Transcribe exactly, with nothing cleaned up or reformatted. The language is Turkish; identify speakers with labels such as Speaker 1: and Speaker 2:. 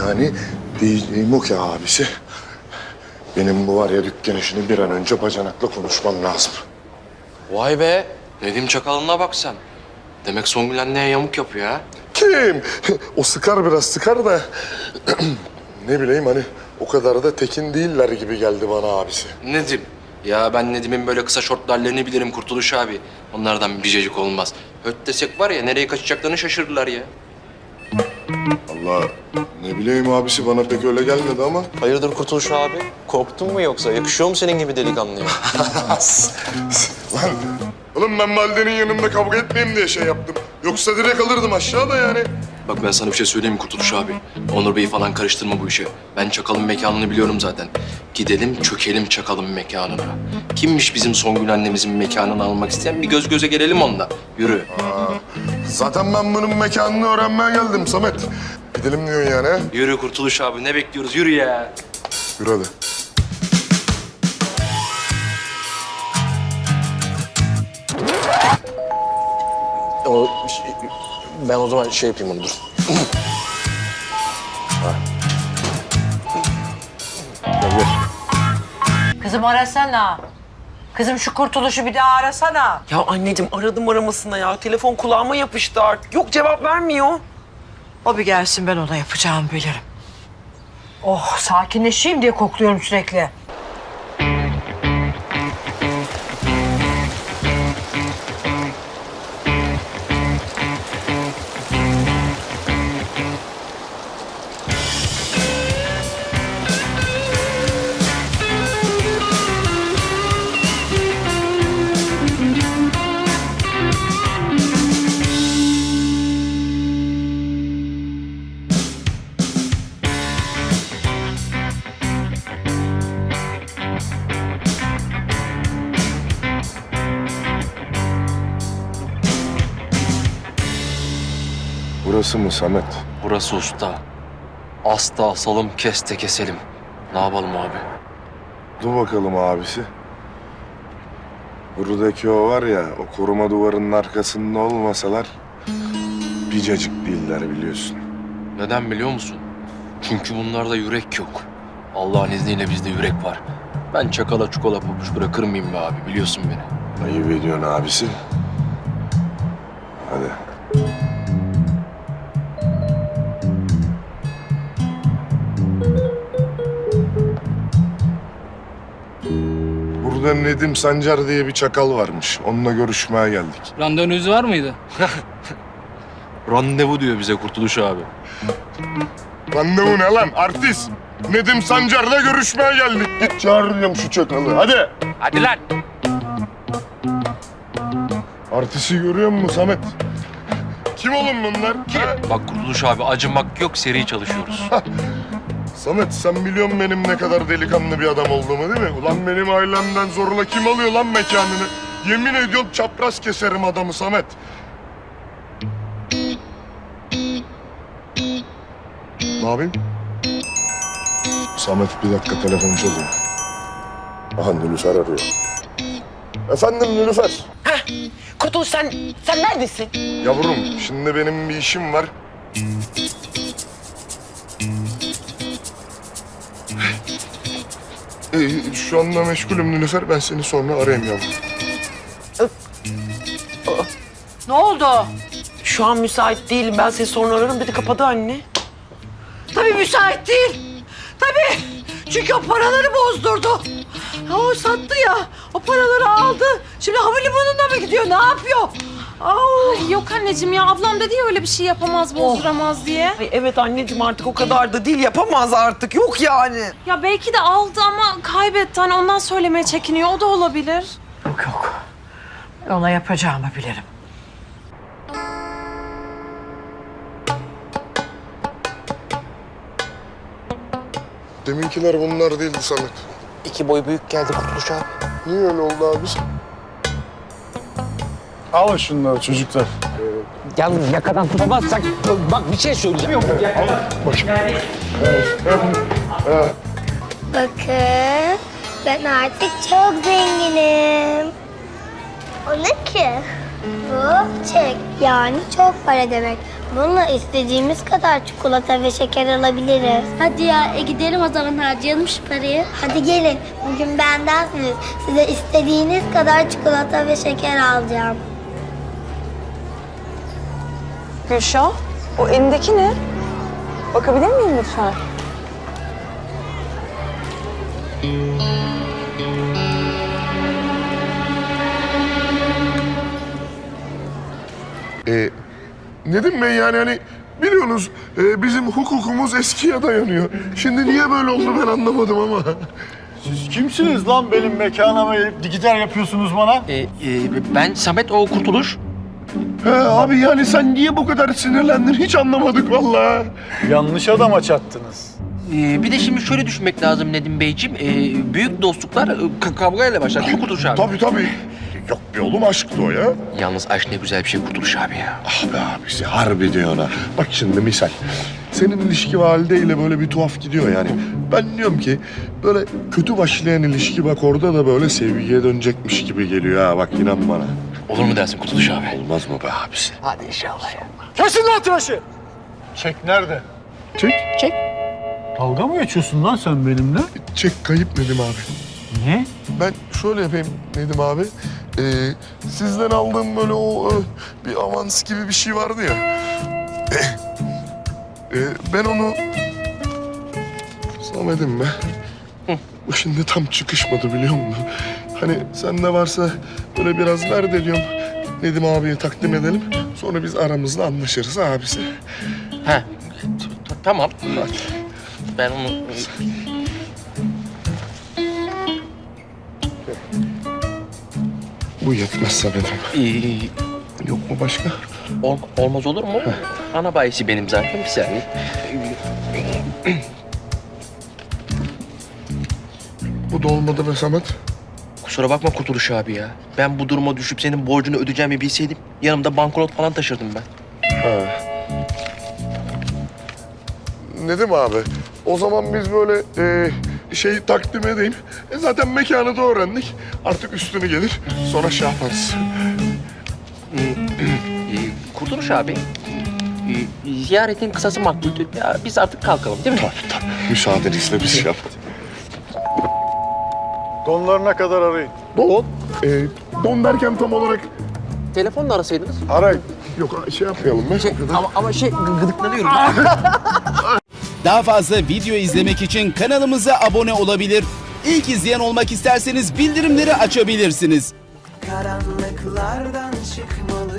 Speaker 1: Yani diyeceğim o ki abisi. Benim bu var ya dükkan işini bir an önce bacanakla konuşmam lazım.
Speaker 2: Vay be. Nedim Çakal'ına bak sen. Demek Songül anneye yamuk yapıyor ha.
Speaker 1: Kim? O sıkar biraz sıkar da ne bileyim hani o kadar da tekin değiller gibi geldi bana abisi.
Speaker 2: Nedim. Ya ben Nedim'in böyle kısa şortlarlarını bilirim Kurtuluş abi. Onlardan bir cacık olmaz. Höt desek var ya nereye kaçacaklarını şaşırırlar ya.
Speaker 1: Allah ne bileyim abisi bana pek öyle gelmedi ama.
Speaker 2: Hayırdır Kurtuluş abi? Korktun mu yoksa? Yakışıyor mu senin gibi delikanlıya?
Speaker 1: Lan oğlum ben validenin yanında kavga etmeyeyim diye şey yaptım. Yoksa direkt alırdım aşağıda yani.
Speaker 2: Bak ben sana bir şey söyleyeyim mi Kurtuluş abi? Onur Bey'i falan karıştırma bu işe. Ben Çakal'ın mekanını biliyorum zaten. Gidelim çökelim Çakal'ın mekanına. Kimmiş bizim Songül annemizin mekanını almak isteyen? Bir göz göze gelelim onunla. Yürü.
Speaker 1: Aa, zaten ben bunun mekanını öğrenmeye geldim Samet. Gidelim diyorsun yani ha?
Speaker 2: Yürü Kurtuluş abi ne bekliyoruz? Yürü ya.
Speaker 1: Yürü hadi.
Speaker 2: O, ben o zaman şey yapayım onu dur.
Speaker 1: Gel gel.
Speaker 3: Kızım arasana. Kızım şu Kurtuluş'u bir daha arasana.
Speaker 4: Ya anneciğim aradım aramasına ya. Telefon kulağıma yapıştı artık. Yok cevap vermiyor.
Speaker 3: O bir gelsin ben ona yapacağımı bilirim. Oh sakinleşeyim diye kokluyorum sürekli.
Speaker 1: Burası mı Samet?
Speaker 2: Burası usta. Asta asalım, keste keselim. Ne yapalım abi?
Speaker 1: Dur bakalım abisi. Buradaki o var ya, o koruma duvarının arkasında olmasalar bir cacık değiller biliyorsun.
Speaker 2: Neden biliyor musun? Çünkü bunlarda yürek yok. Allah'ın izniyle bizde yürek var. Ben Çakal'a çukola pabuç bırakır mıyım be abi? Biliyorsun beni.
Speaker 1: Ayıp ediyorsun abisi. Hadi. Burada Nedim Sancar diye bir çakal varmış. Onunla görüşmeye geldik.
Speaker 5: Randevunuz var mıydı?
Speaker 2: Randevu diyor bize Kurtuluş abi.
Speaker 1: Randevu ne lan artist? Nedim Sancar'la görüşmeye geldik. Git çağırıyorum şu çakalı hadi.
Speaker 5: Hadi lan.
Speaker 1: Artisti görüyor musun Samet? Kim oğlum bunlar? Kim?
Speaker 2: Bak Kurtuluş abi acımak yok, seri çalışıyoruz.
Speaker 1: Samet sen biliyorsun benim ne kadar delikanlı bir adam olduğumu değil mi? Ulan benim ailemden zorla kim alıyor lan mekanını? Yemin ediyorum çapraz keserim adamı Samet. Ne yapayım? Samet bir dakika telefon çalıyor. Aha Nilüfer arıyor. Efendim Nilüfer.
Speaker 4: Heh. Kurtuluş sen, sen neredesin?
Speaker 1: Yavrum şimdi benim bir işim var. Ee, şu anda meşgulüm Nilüfer. Ben seni sonra arayayım yavrum.
Speaker 3: Ne oldu?
Speaker 4: Şu an müsait değilim. Ben seni sonra ararım dedi. Kapadı anne.
Speaker 3: Tabii müsait değil. Tabii. Çünkü o paraları bozdurdu. Ha, o sattı ya. O paraları aldı. Şimdi havalimanına mı gidiyor? Ne yapıyor? Au.
Speaker 6: Yok anneciğim ya ablam dedi ya öyle bir şey yapamaz, bozduramaz diye.
Speaker 4: Ay evet anneciğim artık o kadar da değil. Yapamaz artık. Yok yani.
Speaker 6: Ya belki de aldı ama kaybetti. Hani ondan söylemeye çekiniyor. O da olabilir.
Speaker 3: Yok yok. Ona yapacağımı bilirim.
Speaker 1: Deminkiler bunlar değildi Samet.
Speaker 2: İki boy büyük geldi Kurtuluş abi.
Speaker 1: Niye öyle oldu abi?
Speaker 7: Alın şunları çocuklar.
Speaker 8: Yalnız yakadan tutamazsak bak bir şey söyleyeceğim.
Speaker 9: Bakın, ben artık çok zenginim.
Speaker 5: O ne ki? Bu çek. Yani çok para demek. Bununla istediğimiz kadar çikolata ve şeker alabiliriz. Hadi ya e gidelim o zaman harcayalım şu parayı. Hadi gelin. Bugün bendensiniz. Size istediğiniz kadar çikolata ve şeker alacağım.
Speaker 9: Gülşah, o elindeki ne? Bakabilir miyim lütfen?
Speaker 1: Ee, Nedim Bey yani hani biliyorsunuz e, bizim hukukumuz eskiye dayanıyor. Şimdi niye böyle oldu ben anlamadım ama.
Speaker 7: Siz kimsiniz lan benim mekanıma gelip gider yapıyorsunuz bana?
Speaker 8: Ee, e, ben Samet o Kurtuluş.
Speaker 1: He abi yani sen niye bu kadar sinirlendin hiç anlamadık vallahi.
Speaker 7: Yanlış adama çattınız.
Speaker 8: Ee, bir de şimdi şöyle düşünmek lazım Nedim Beyciğim. Ee, büyük dostluklar e, ka- kavgayla başlar değil mi Kurtuluş abi?
Speaker 1: Tabii tabii. Yok be oğlum aşktı o ya.
Speaker 8: Yalnız aşk ne güzel bir şey Kurtuluş abi ya.
Speaker 1: Ah be abisi harbi diyor ona. Bak şimdi misal. Senin ilişki valideyle böyle bir tuhaf gidiyor yani. Ben diyorum ki böyle kötü başlayan ilişki bak orada da böyle sevgiye dönecekmiş gibi geliyor ha bak inan bana.
Speaker 8: Olur mu dersin Kurtuluş abi?
Speaker 1: Olmaz mı be abisi?
Speaker 8: Hadi inşallah ya.
Speaker 7: Kesin lan tıraşı! Çek nerede?
Speaker 1: Çek.
Speaker 8: Çek.
Speaker 7: Dalga mı geçiyorsun lan sen benimle?
Speaker 1: Çek kayıp Nedim abi.
Speaker 7: Niye?
Speaker 1: Ben şöyle yapayım Nedim abi. Ee, sizden aldığım böyle o e, bir avans gibi bir şey vardı ya. Ee, ben onu... Samet'im be. Bu şimdi tam çıkışmadı biliyor musun? Hani sende varsa böyle biraz ver de diyorum. Nedim abiye takdim edelim. Sonra biz aramızda anlaşırız abisi.
Speaker 8: Ha. t- t- Tamam. Ben onu...
Speaker 1: Bu yetmez Samet'im.
Speaker 8: Ee,
Speaker 1: Yok mu başka?
Speaker 8: ol- olmaz olur mu? Ana bayisi benim zaten bir saniye.
Speaker 1: Bu da olmadı be Samet.
Speaker 8: Kusura bakma Kurtuluş abi ya. Ben bu duruma düşüp senin borcunu ödeyeceğimi bilseydim yanımda banknot falan taşırdım ben.
Speaker 1: Ha. Nedim abi, o zaman biz böyle e, şey takdim edeyim. E zaten mekanı da öğrendik. Artık üstünü gelir, sonra şey yaparız.
Speaker 8: Ee, Kurtuluş abi, e, ziyaretin kısası makbuldür. Ya biz artık kalkalım değil mi?
Speaker 1: Tabii tabii. Müsaadenizle biz şey yapalım.
Speaker 7: Donlarına kadar arayın.
Speaker 1: Don? E, don derken tam olarak...
Speaker 8: Telefonla arasaydınız.
Speaker 7: Arayın.
Speaker 1: Yok şey yapmayalım. Ben
Speaker 8: Şey, ama, ama şey gı- gıdıklanıyorum.
Speaker 10: Daha fazla video izlemek için kanalımıza abone olabilir. İlk izleyen olmak isterseniz bildirimleri açabilirsiniz.
Speaker 11: Karanlıklardan çık